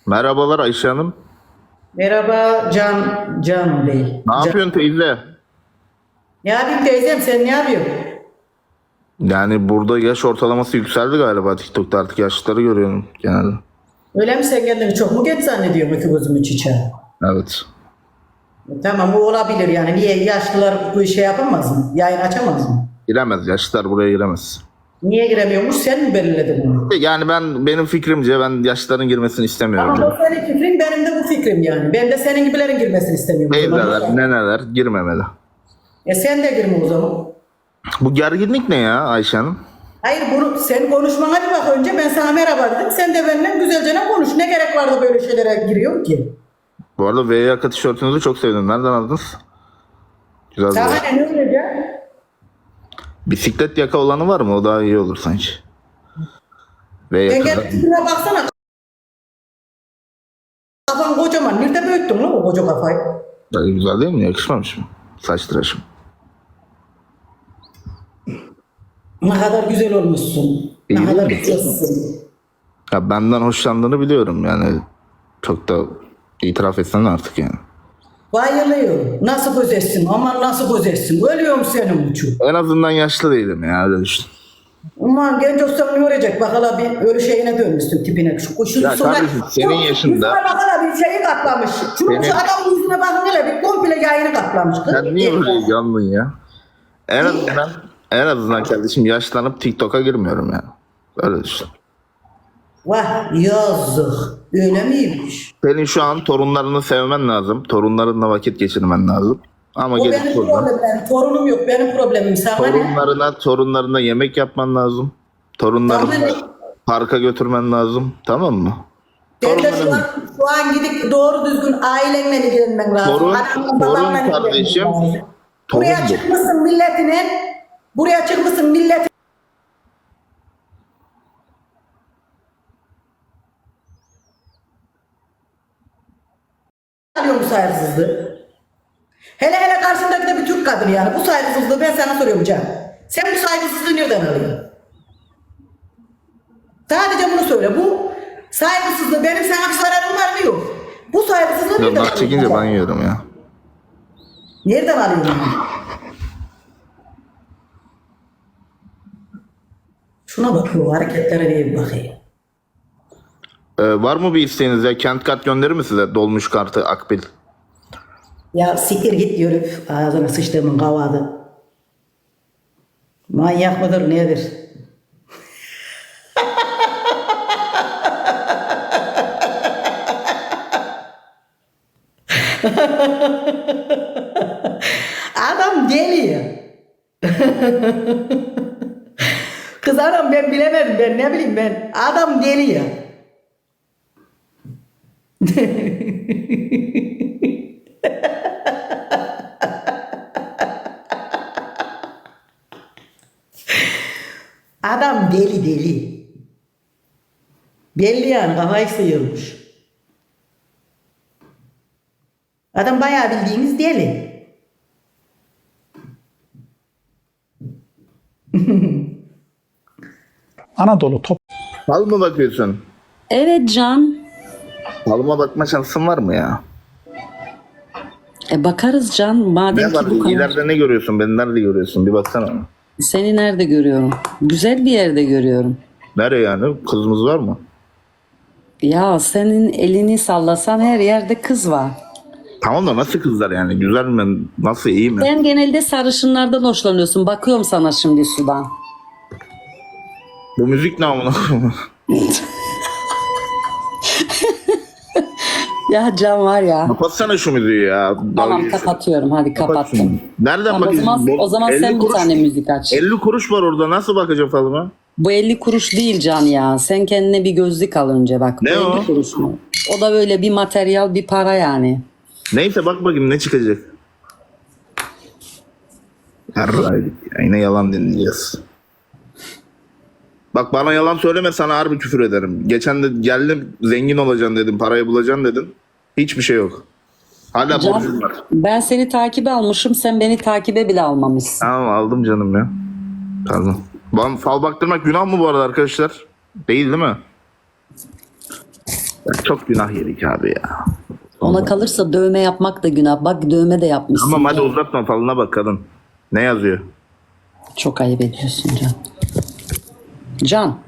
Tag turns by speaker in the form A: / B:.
A: Merhabalar Ayşe Hanım.
B: Merhaba Can Bey.
A: Ne yapıyorsun teyze?
B: Ne yapayım teyzem, sen ne yapıyorsun?
A: Yani burada yaş ortalaması yükseldi galiba TikTok'ta, artık yaşlıları görüyorum genelde.
B: Öyle mi, sen kendini çok mu geç zannediyorsun iki gözümü çiçeği?
A: Evet.
B: Tamam, o olabilir yani. Niye yaşlılar bu işe yapamaz mı? Yayın açamaz mı?
A: Giremez, yaşlılar buraya giremez.
B: Niye giremiyormuş, sen mi belirledin bunu?
A: Yani benim fikrimce ben yaşlıların girmesini istemiyorum.
B: Ama o senin fikrin, benim de bu fikrim yani. Ben de senin gibilerin girmesini istemiyorum. o zaman.
A: Teyzeler, neneler girmemeli.
B: Sen de girme o zaman.
A: Bu gerginlik ne ya Ayşe Hanım?
B: Hayır, bunu sen konuşmana bir bak önce, ben sana merhaba dedim. Sen de benimle güzelce konuş. Ne gerek vardı böyle şeylere giriyor ki?
A: Bu arada V yaka tişörtünüzü çok sevdim. Nereden aldınız? Güzel.
B: Sana ne olacak?
A: Bisiklet yaka olanı var mı? O daha iyi olur sanki. V
B: Sen
A: yaka.
B: gel tipine baksana. Kafan kocaman. Nerede büyüttün lan o koca kafayı?
A: Güzel değil mi? Yakışmamış mı? Saç tıraşım.
B: Ne kadar güzel olmuşsun.
A: İyi
B: Ne
A: değil
B: kadar
A: mi?
B: güzelsin.
A: Ya benden hoşlandığını biliyorum yani. Çok da itiraf etsen artık yani.
B: Bayılıyorum. Nasıl güzelsin? Aman nasıl güzelsin? Ölüyorum senin için.
A: En azından yaşlı değilim ya, öyle düşün.
B: Aman genç olsam ne olacak? Bak hala bir ölü şeyine dönmüşsün tipine. Şu
A: Ya kardeşim, senin yaşında-
B: Yüzüne bak hala bir şeyi katlamış.
A: Senin-
B: Şu adamın yüzüne bakın hele bir komple yayını katlamış.
A: Sen niye böyle yandın ya? En azından kardeşim yaşlanıp TikTok'a girmiyorum yani. Öyle düşün.
B: Vah yazık. Öyle miymiş?
A: Senin şu an torunlarını sevmen lazım. Torunlarınla vakit geçirmen lazım. Ama
B: O
A: gelip
B: benim
A: burada
B: problemim. Torunum yok. Benim problemim. Sana ne?
A: torunlarına yemek yapman lazım. Torunlarını
B: Tamam.
A: parka götürmen lazım. Tamam mı?
B: Ben de
A: Torunların-
B: şu an gidip doğru düzgün ailenle ilgilenmen lazım.
A: Torun-
B: Anamla babanla
A: torun
B: ilgilenmen
A: kardeşim,
B: lazım.
A: torun
B: Buraya
A: bu.
B: çıkmışsın milletine. Buraya çıkmışsın millet. Alıyor bu saygısızlığı. Hele hele karşındaki de bir Türk kadını yani. Bu saygısızlığı ben sana soruyorum Can. Sen bu saygısızlığı nereden alıyorsun? Sadece bunu söyle. Bu saygısızlığı benim sana bir zararım var mı yok? Bu saygısızlığı nereden
A: Yıllar çekince ben
B: alıyorsun?
A: yiyorum ya.
B: Nereden alıyorsun? Şuna bakıyor, hareketlere bir bakayım.
A: Var mı bir isteğiniz ya? Kent kart gönderir mi size? Dolmuş kartı, akbil.
B: Ya siktir git yürü. Ağzına sıçtığımın kavadı. Manyak mıdır nedir? Adam geliyor. Kız adam ben bilemedim, ben ne bileyim ben. Adam geliyor. Adam deli deli. Belli yani, kafayı sıyırmış. Adam bayağı bildiğiniz deli.
C: Anadolu top
A: Fal mı bakıyorsun?
D: Evet Can.
A: Falıma bakma şansın var mı ya?
D: Bakarız Can. Madem
A: Ne
D: ki
A: var?
D: bu kadar.
A: İleride ne görüyorsun? Beni nerede görüyorsun? Bir baksana.
D: Seni nerede görüyorum? Güzel bir yerde görüyorum.
A: Nereye yani? Kızımız var mı?
D: Ya senin elini sallasan her yerde kız var.
A: Tamam da nasıl kızlar yani? Güzel mi? Nasıl, iyi mi?
D: Sen genelde sarışınlardan hoşlanıyorsun. Bakıyorum sana şimdi sudan.
A: Bu müzik ne amına koyayım?
D: Ya Can var ya.
A: Kapatsana şu müziği ya.
D: Tamam
A: Dalga-
D: kapatıyorum. Hadi
A: Kapat
D: kapattım.
A: şunu. Nereden
D: Tamam, o
A: bakıyorsun?
D: zaman,
A: Bu
D: o zaman
A: 50
D: sen bir
A: kuruş-
D: tane müzik aç.
A: 50 kuruş var orada. Nasıl bakacağım falıma?
D: Bu 50 kuruş değil Can ya. Sen kendine bir gözlük al önce bak.
A: Ne
D: Bu 50
A: o?
D: kuruş mu? O da böyle bir materyal, bir para yani.
A: Neyse bak bakayım ne çıkacak. Yarraydık ya. Yine yalan dinleyeceğiz. Bak bana yalan söyleme, sana harbi küfür ederim. Geçen de geldim, zengin olacaksın dedim, parayı bulacaksın dedin. Hiçbir şey yok. Hala
D: Can,
A: borcum var.
D: ben seni takibe almışım. Sen beni takibe bile almamışsın.
A: Tamam aldım canım ya. Pardon. Fal baktırmak günah mı bu arada arkadaşlar? Değil mi? Çok günah yedik abi ya.
D: Ona kalırsa dövme yapmak da günah. Bak dövme de yapmışsın.
A: Tamam hadi uzatma, falına bak kadın. Ne yazıyor?
D: Çok ayıp ediyorsun Can. Can.